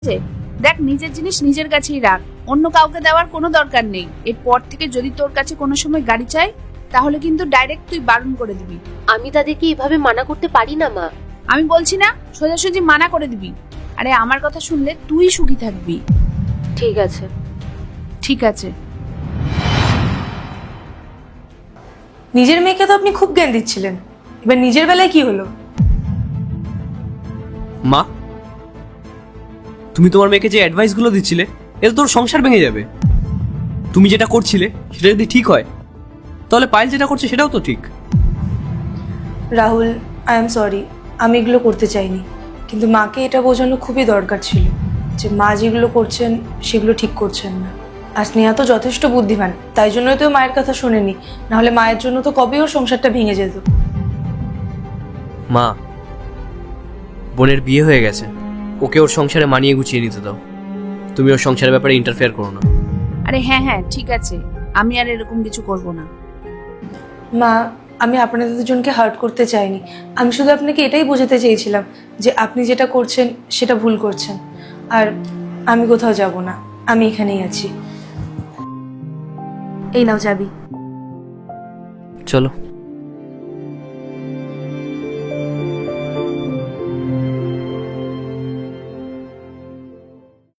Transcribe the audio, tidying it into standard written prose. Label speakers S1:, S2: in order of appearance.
S1: দেখ, নিজের জিনিস নিজের কাছেই রাখ, অন্য কাউকে দেওয়ার কোনো দরকার নেই। এরপর থেকে যদি তোর কাছে কোনো সময় গাড়ি চাই, তাহলে কিন্তু ডাইরেক্ট তুই বারণ করে দিবি।
S2: আমি তাদেরকে এভাবে মানা করতে পারি না মা।
S1: আমি বলছি না, সোজাসুজি মানা করে দিবি। আরে আমার কথা শুনলে তুই সুখী থাকবি।
S2: ঠিক আছে।
S1: ঠিক আছে।
S3: নিজের মেয়েকে তো আপনি খুব জ্ঞান দিচ্ছিলেন, এবার নিজের বেলায় কি হলো?
S4: মা, তুমি তোমার মেয়েকে যে অ্যাডভাইসগুলো দিচ্ছিলে, এতে তোর সংসার ভেঙে যাবে। তুমি যেটা করছিলে সেটা যদি ঠিক হয়, তাহলে পায়েল যেটা করছে সেটাও তো ঠিক।
S3: রাহুল, আই এম সরি, আমি এগুলো করতে চাইনি, কিন্তু মাকে এটা বোঝানো খুবই দরকার ছিল যে মা যেগুলো করছেন সেগুলো ঠিক করছেন না। আর স্নেহা তো যথেষ্ট বুদ্ধিমান, তাই জন্যই তো মায়ের কথা শোনেনি, নাহলে মায়ের জন্য তো কবেই ওর সংসারটা ভেঙে যেত।
S4: মা, বোনের বিয়ে হয়ে গেছে, ওকে ওর সংসারে মানিয়ে গুছিয়ে নিতে দাও। তুমি ওর সংসারের ব্যাপারে ইন্টারফেয়ার করো না।
S1: আরে হ্যাঁ হ্যাঁ, ঠিক আছে, আমি আর এরকম কিছু করব না।
S3: মা, আমি আপনাদের দুজনকে হার্ট করতে চাইনি, আমি শুধু আপনাকে এটাই বোঝাতে চেয়েছিলাম যে আপনি যেটা করছেন সেটা ভুল করছেন। আর আমি কোথাও যাব না, আমি এখানেই আছি। এই নাও চাবি।
S4: চলো।